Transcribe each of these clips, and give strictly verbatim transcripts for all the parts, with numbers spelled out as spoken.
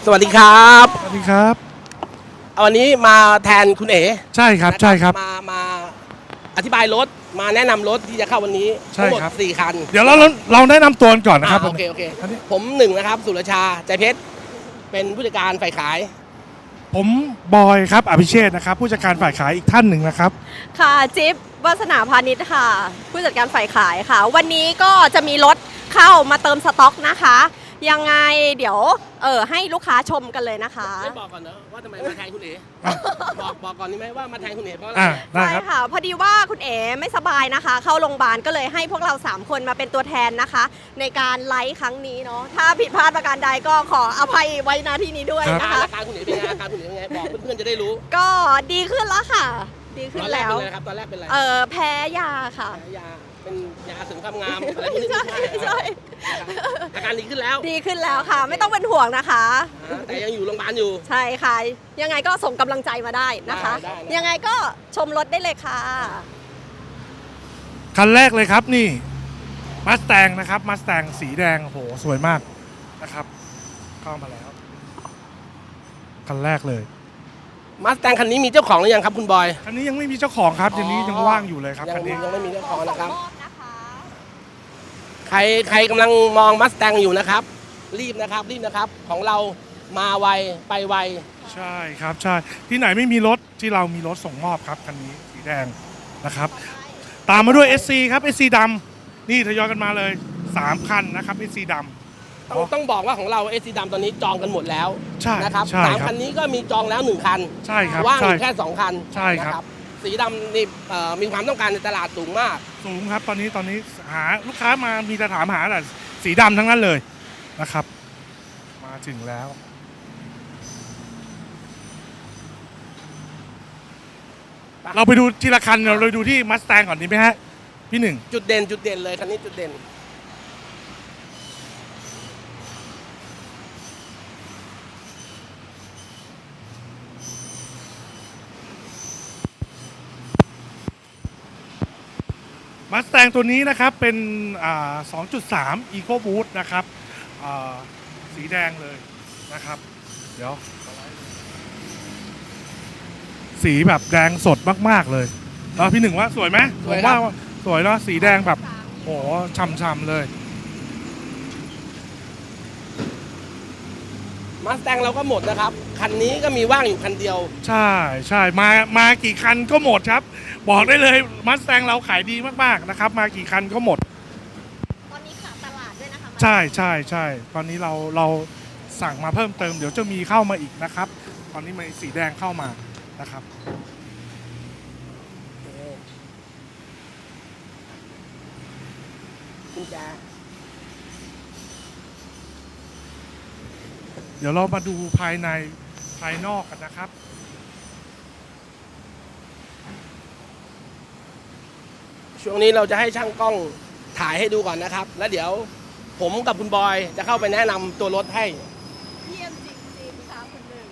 สวัสดีครับสวัสดีครับวันนี้มาแทนคุณเอ๋ใช่ครับใช่ครับมามาอธิบายรถมาแนะนำรถที่จะเข้าวันนี้ทั้งหมดสี่คันเดี๋ยวเราเราแนะนำตัวก่อนนะครับโอเคโอเคผมหนึ่งนะครับสุรชาใจเพชรเป็นผู้จัดการฝ่ายขายผมบอยครับอภิเชษนะครับผู้จัดการฝ่ายขายอีกท่านหนึ่งนะครับค่ะจิ๊บวาสนาพาณิชย์ค่ะผู้จัดการฝ่ายขายค่ะวันนี้ก็จะมีรถเข้ามาเติมสต็อกนะคะยังไงเดี๋ยวเออให้ลูกค้าชมกันเลยนะคะไม่บอกก่อนเนอะว่าทำไมมาแทนคุณเอ๋บอกบอกก่อนนี่ไหมว่ามาแทนคุณเอ๋เพราะอะไรใช่ค่ะพอดีว่าคุณเอ๋ไม่สบายนะคะเข้าโรงพยาบาลก็เลยให้พวกเราสามคนมาเป็นตัวแทนนะคะ ในการไลฟ์ครั้งนี้เนาะถ้าผิดพลาดประการใดก็ขออภัยไว้ณที่นี้ด้วยนะคะอาการคุณเอ๋เป็นไงอาการคุณเอ๋เป็นไงบอกเพื่อนๆจะได้รู้ก็ดีขึ้นแล้วค่ะดีขึ้นแล้วตอนแรกเป็นอะไรครับตอนแรกเป็นอะไรเออแพ้ยาค่ะแพ้ยาเป็นยาเสริมความงามอะไรพวกนี้ใช่ใช่อาการดีขึ้นแล้วดีขึ้นแล้วค่ะไม่ต้องเป็นห่วงนะคะแต่ยังอยู่โรงพยาบาลอยู่ใช่ค่ะยังไงก็ส่งกำลังใจมาได้นะคะยังไงก็ชมรถได้เลยค่ะคันแรกเลยครับนี่มัสแตงนะครับมัสแตงสีแดงโหสวยมากนะครับเข้ามาแล้วคันแรกเลยมาสแตงคันนี้มีเจ้าของหรือยังครับคุณบอยคันนี้ยังไม่มีเจ้าของครับคันนี้ยังว่างอยู่เลยครับคันนี้ยังไม่มีเจ้าของนะครับใครใครกำลังมองมัสแตงอยู่นะครับรีบนะครับรีบนะครับของเรามาไวไปไวใช่ครับใช่ที่ไหนไม่มีรถที่เรามีรถส่งมอบครับคันนี้สีแดงนะครับตามมาด้วย เอส ซี ครับ เอส ซี ดำนี่ทยอยกันมาเลยสามคันนะครับ เอส ซี ดำต้องต้องบอกว่าของเราเอสซีดำตอนนี้จองกันหมดแล้วใช่นะครับใช่สามคันนี้ก็มีจองแล้วหนึ่งคันใช่ครับว่างอยู่แค่สองคันใช่ครับสีดำนี่มีความต้องการในตลาดสูงมากสูงครับตอนนี้ตอนนี้หาลูกค้ามามีแต่ถามหาแต่สีดำทั้งนั้นเลยนะครับมาถึงแล้วเราไปดูทีละคันเราเลยดูที่มัสแตงก่อนดีไหมฮะพี่หนึ่งจุดเด่นจุดเด่นเลยคันนี้จุดเด่นมัสแตงตัวนี้นะครับเป็น สองจุดสาม Eco Boost นะครับสีแดงเลยนะครับเดี๋ยวสีแบบแดงสดมากๆเลยแล้วพี่หนึ่งว่าสวยไหมผมว่าสวยเนาะสีแดงแบบโหช่ำๆเลยมัสแตงเราก็หมดนะครับคันนี้ก็มีว่างอยู่คันเดียวใช่ใช่มามากี่คันก็หมดครับบอกได้เลยมัสแตงเราขายดีมากๆนะครับมากี่คันก็หมดตอนนี้ขาดตลาดด้วยนะคะใช่ใช่ใช่ตอนนี้เราเราสั่งมาเพิ่มเติมเดี๋ยวจะมีเข้ามาอีกนะครับตอนนี้มีสีแดงเข้ามานะครับกุญแจเดี๋ยวเรามาดูภายในภายนอกกันนะครับช่วงนี้เราจะให้ช่างกล้องถ่ายให้ดูก่อนนะครับแล้วเดี๋ยวผมกับคุณบอยจะเข้าไปแนะนำตัวรถให้เยี่ยมจริงๆค่ะคุณหนึ่ง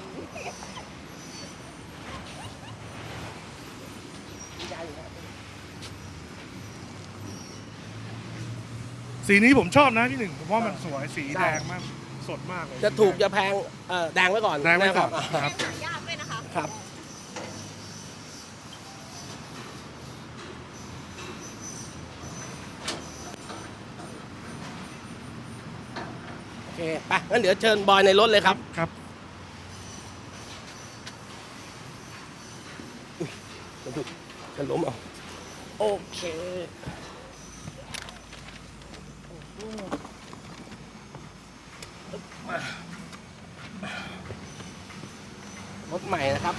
สีนี้ผมชอบนะพี่หนึ่งผมว่ามันสวยสีแดงมากสดมากเลยจะถูกจะแพงเออแดงไว้ก่อนแดงไว้ก่อนครับยากด้วยนะคะครับโอเคไปงั้นเดี๋ยวเชิญบอยในรถเลยครับครับจะล้มเอาโอเครถใหม่นะครับ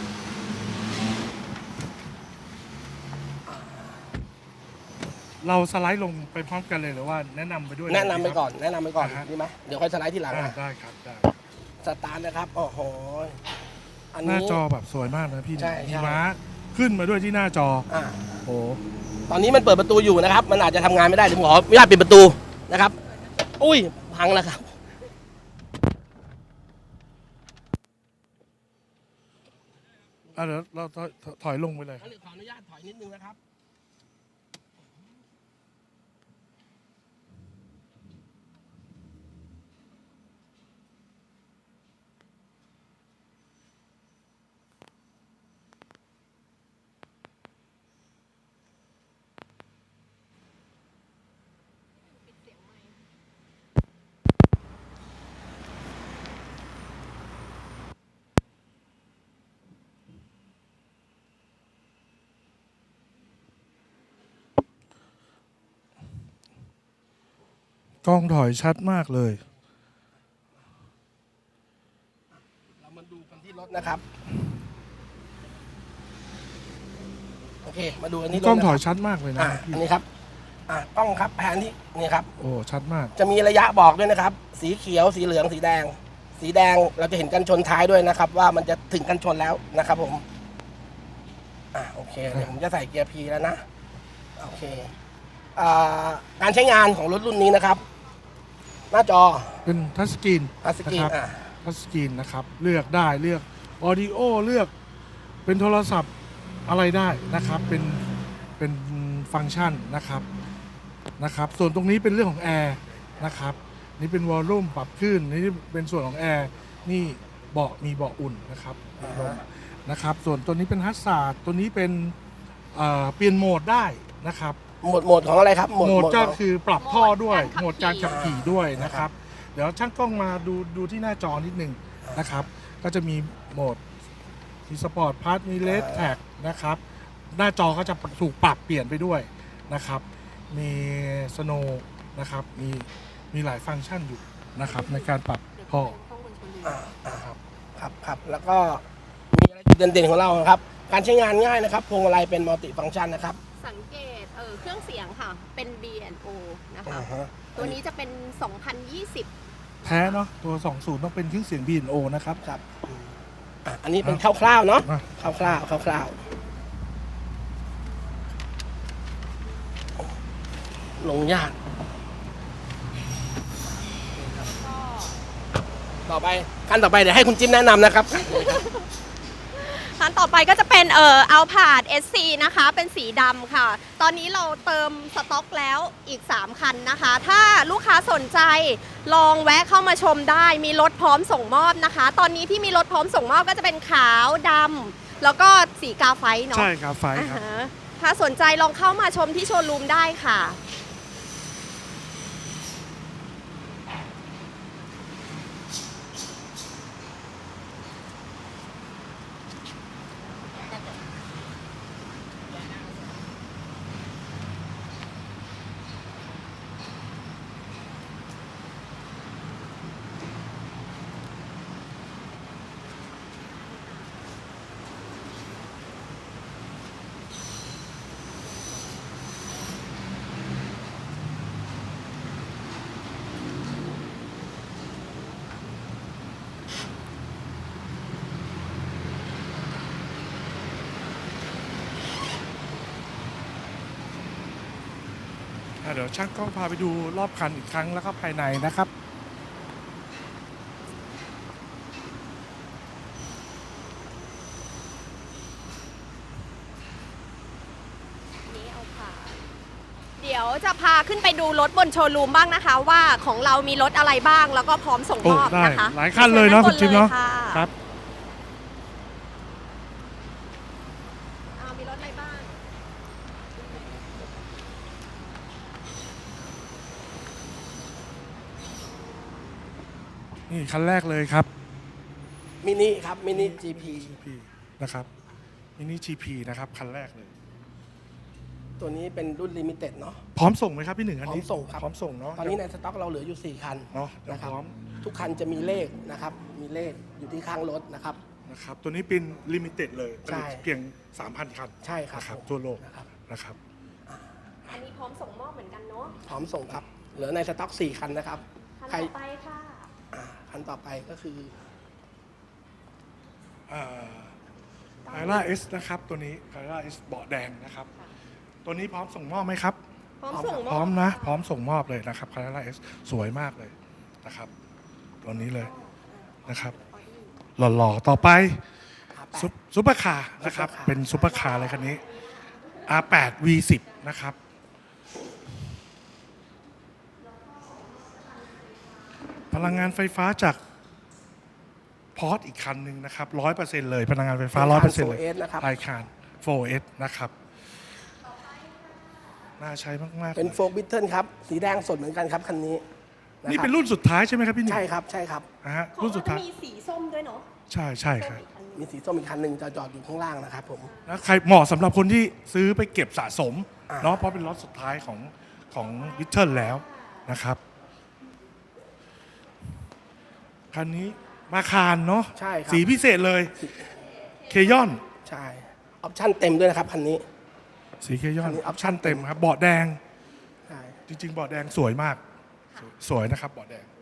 เราสไลด์ลงไปพร้อมกันเลยหรือว่าแนะนำไปด้วยแนะนำไปก่อนแนะนำไปก่อนดีไหมเดี๋ยวค่อยสไลด์ทีหลังได้ครับได้สตาร์ทนะครับโอ้โหหน้าจอแบบสวยมากนะพี่มีม้าขึ้นมาด้วยที่หน้าจออ่าโอ้ตอนนี้มันเปิดประตูอยู่นะครับมันอาจจะทำงานไม่ได้เดี๋ยวผมขออนุญาตปิดประตูนะครับอุ้ยพังแล้วครับเดี๋ยวเราถอยลงไปเลยขออนุญาตถอยนิดนึงนะครับกล้องถอยชัดมากเลยเรามาดูกันที่รถนะครับโอเคมาดูอันนี้รถกล้องถอยนะครับชัดมากเลยนะอ่ะพี่อันนี้ครับอ่ะกล้องครับแผนที่นี่ครับโอ้ชัดมากจะมีระยะบอกด้วยนะครับ สีเขียวสีเหลืองสีแดง สีแดงเราจะเห็นกันชนท้ายด้วยนะครับ ว่ามันจะถึงกันชนแล้วนะครับ ผมอ่ะโอเคเดี๋ยวผมจะใส่เกียร์ P แล้วนะโอเคอ่าการใช้งานของรถรุ่นนี้นะครับ หน้าจอเป็นทัชสกรีนทัชสกรีนนะครับอ่ะทัชสกรีนนะครับ เลือกได้เลือกออดิโอเลือกเป็นโทรศัพท์อะไรได้นะครับ เป็นเป็นฟังก์ชันนะครับนะครับ ส่วนตรงนี้เป็นเรื่องของแอร์นะครับ นี่เป็นวอลลุ่มปรับขึ้นนี่เป็นส่วนของแอร์นี่เบาะมีเบาะอุ่นนะครับมีลมนะครับ ส่วนตัวนี้เป็นฮัสซาร์ดตัวนี้เป็นเอ่อเปลี่ยนโหมดได้นะครับโหมดโหมดของอะไรครับโหมดก็ของคือปรับท่อด้วยโหโหมมดดกาการ รขัขับบ ขี่ขี่ด้วยนะครับ เดี๋ยวช่างกล้องมาดูดูที่หน้าจอนิดหนึ่งนะครับ ก็จะมีโหมดมีสปอร์ตพาร์ทมีเลสแท็กนะครับ หน้าจอก็จะถูกปรับเปลี่ยนไปด้วยนะครับ มีสโนว์นะครับ มีมีหลายฟังก์ชันอยู่นะครับ ในการปรับท่ออ่าอ่าครับครับครับแล้วก็มีอะไรจุดเด่นๆของเราครับ การใช้งานง่ายนะครับพวงมาลัยเป็นมัลติฟังก์ชันนะครับสังเกตเออเครื่องเสียงค่ะ เป็น บี แอนด์ โอ นะคะอ่าฮะตัวนี้จะเป็น สองพันยี่สิบแท้เนาะตัวสองสิบต้องเป็นเครื่องเสียง บี แอนด์ โอ นะครับครับอืมอ่ะอันนี้เป็นคร่าวๆเนาะอ่ะคร่าวๆคร่าวๆลงยากต่อไปขั้นต่อไปเดี๋ยวให้คุณจิ้มแนะนำนะครับคันต่อไปก็จะเป็นเอ่อเอาผาด เอส ซี นะคะ เป็นสีดำค่ะ ตอนนี้เราเติมสต็อกแล้วอีก สาม คันนะคะ ถ้าลูกค้าสนใจลองแวะเข้ามาชมได้ มีรถพร้อมส่งมอบนะคะ ตอนนี้ที่มีรถพร้อมส่งมอบก็จะเป็นขาวดำแล้วก็สีกาไฟเนาะใช่ครับไฟครับอ่าฮะถ้าสนใจลองเข้ามาชมที่โชว์รูมได้ค่ะอ่ะเดี๋ยวช่างกล้องพาไปดูรอบคันอีกครั้งแล้วก็ภายในนะครับนี้เอาค่ะ เดี๋ยวจะพาขึ้นไปดูรถบนโชว์รูมบ้างนะคะ ว่าของเรามีรถอะไรบ้างแล้วก็พร้อมส่งโอ้มอบได้นะคะหลายคันเลยเนาะคุณจิ๊บเนาะชิญด้บลยครับอ่ามีรถอะไรบ้างนี่คันแรกเลยครับมินิครับมินิ จี พีจี พี นะครับมินิ จี พี นะครับคันแรกเลยตัวนี้เป็นรุ่นลิมิเต็ดเนาะพร้อมส่งไหมครับพี่หนึ่งอันนี้พร้อมส่งครับพร้อมส่งเนาะตอนนี้ในสต็อกเราเหลืออยู่สี่คันเนาะเดี๋ยวนะครับพร้อมทุกคันจะมีเลขนะครับ มีเลขอยู่ที่ข้างรถนะครับนะครับตัวนี้เป็นลิมิเต็ดเลยผใช่ลิตเพียง สามพัน คันใช่ครับนะครับผมทั่วโลกนะครับนะครับอันนี้พร้อมส่งมอบเหมือนกันเนาะพร้อมส่งครับ เหลือในสต็อกสี่คันนะครับคันใครต่อไปค่ะอ่าคันต่อไปก็คือไคล่าเอสนะครับตัวนี้ไคล่าเอสเบาะแดงนะครับ ตัวนี้พร้อมส่งมอบไหมครับพร้อมส่งมอบพร้อมนะพร้อมส่งมอบเลยนะครับไคล่าเอสสวยมากเลยนะครับตัวนี้เลยนะครับหล่อๆต่อไปซุปซุปเปอร์คาร์นะครับเป็นซุปเปอร์คาร์เลยคันนี้ อาร์ แปด วี สิบ นะครับพลังงานไฟฟ้าจากพอร์ตอีกคันหนึ่งนะครับ ร้อยเปอร์เซ็นต์ เลยพลังงานไฟฟ้า ร้อยเปอร์เซ็นต์ เลยโฟร์เอสนะครับไอคาน โฟร์ เอส นะครับ น่าใช้มากๆเป็นลยโฟร์บิทเทิลครับ สีแดงสดเหมือนกันครับคันนี้ะนี่ครับเป็นรุ่นสุดท้ายใช่ไหมครับพี่หนึ่งใช่ครับใช่ครับนะฮะของรุ่นเราสุดจะท้ายมีสีส้มด้วยเนาะใช่ใช่ครับมีสีส้มอีกคันหนึ่งจะจอดอยู่ข้างล่างนะครับผมแล้วใครเหมาะสำหรับคนที่ซื้อไปเก็บสะสมอ่าเนาะเพราะเป็นรถสุดท้ายของของวิทเทิลแล้วนะครับคันนี้มาคารเนาะใช่ครับสีพิเศษเลยเคยอนใช่ออปชั่นเต็มด้วยนะครับคันนี้สีเคยอนคันนี้ออปชั่นเต็มครับเบาะแดงใช่จริงๆเบาะแดงสวยมาก สวยนะครับเบาะแดง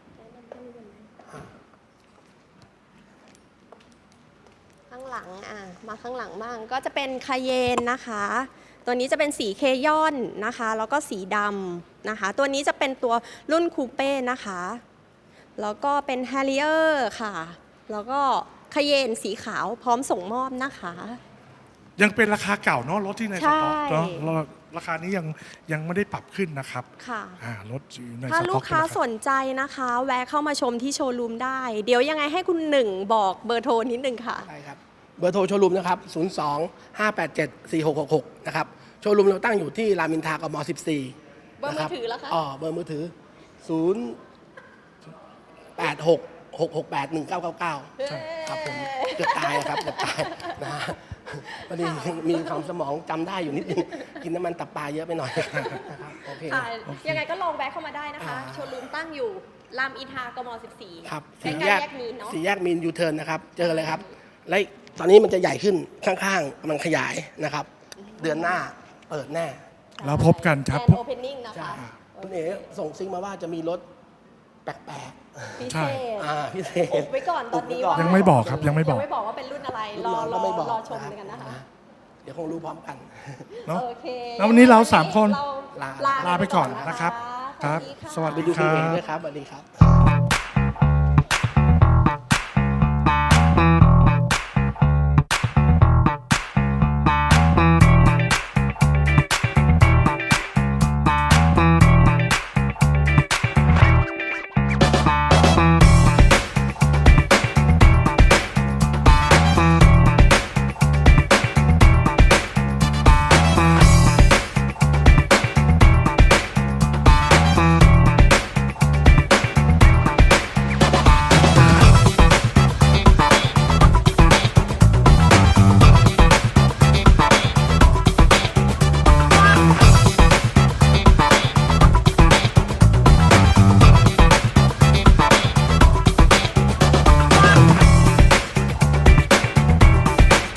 ข้างหลังอ่ะมาข้างหลังบ้างก็จะเป็นคาเยนนะคะ ตัวนี้จะเป็นสีเคยอนนะคะ แล้วก็สีดำนะคะ ตัวนี้จะเป็นตัวรุ่นคูเป้นะคะ แล้วก็เป็นแฮร์ริเออร์ค่ะ แล้วก็คาเยนสีขาวพร้อมส่งมอบนะคะยังเป็นราคาเก่าเนาะรถที่ในสต็อกใช่เนาะเราราคานี้ยังยังไม่ได้ปรับขึ้นนะครับค่ะอ่ารถอยู่ในสต็อกถ้าลูกค้าสนใจนะคะ แวะเข้ามาชมที่โชว์รูมได้ เดี๋ยวยังไงให้คุณหนึ่งบอกเบอร์โทรนิดนึงค่ะใช่ครับเบอร์โทรโชว์รูมนะครับ ศูนย์ สอง ห้า แปด เจ็ด สี่ หก หก หก นะครับ โชว์รูมเราตั้งอยู่ที่รามอินทรากม สิบสี่เบอร์มือถือแล้วคะอ๋อ เบอร์มือถือ ศูนย์ แปด หก หก หก แปด หนึ่ง เก้า เก้า เก้า ครับผมเกือบตายครับเกือบตายนะฮะพอดีมีความสมองจำได้อยู่นิดนึง กินน้ำมันตับปลาเยอะไปหน่อยนะครับโอเคค่ะยังไงก็ลองแวะเข้ามาได้นะคะอ่าโชว์รูมตั้งอยู่รามอินทรากม สิบสี่ครับใกล้สี่ๆแยกแยกมีนเนาะสี่แยกมีนยูเทิร์นนะครับ เจอเลยครับ และตอนนี้มันจะใหญ่ขึ้นข้างๆกำลังขยายนะครับ เดือนหน้าเปิดแน่เราพบกันครับแอนโอเพนนิ่งนะใช่คะคุณเอ๋ส่งซิงมาว่าจะมีรถแปลกพิใช่เศษๆอ่าพิเศอุษบไว้ก่อนตอนนี้อุบไว้ก่อนว่ายังไม่บอกครับยังไม่บอกยังไม่บอกว่าเป็นรุ่นอะไร รอรก็อไม่บอกรอชมะครับกันนะคะเดี๋ยวคงรู้พร้อมกันเนาะโอเคแล้ววันนี้เราสามคนเรลาลาลาไปก่อนนะครับ ครับสสวัวัสสดีดีไปค่ะดูคุณเอ๋ด้วยครับสวัสดีครับ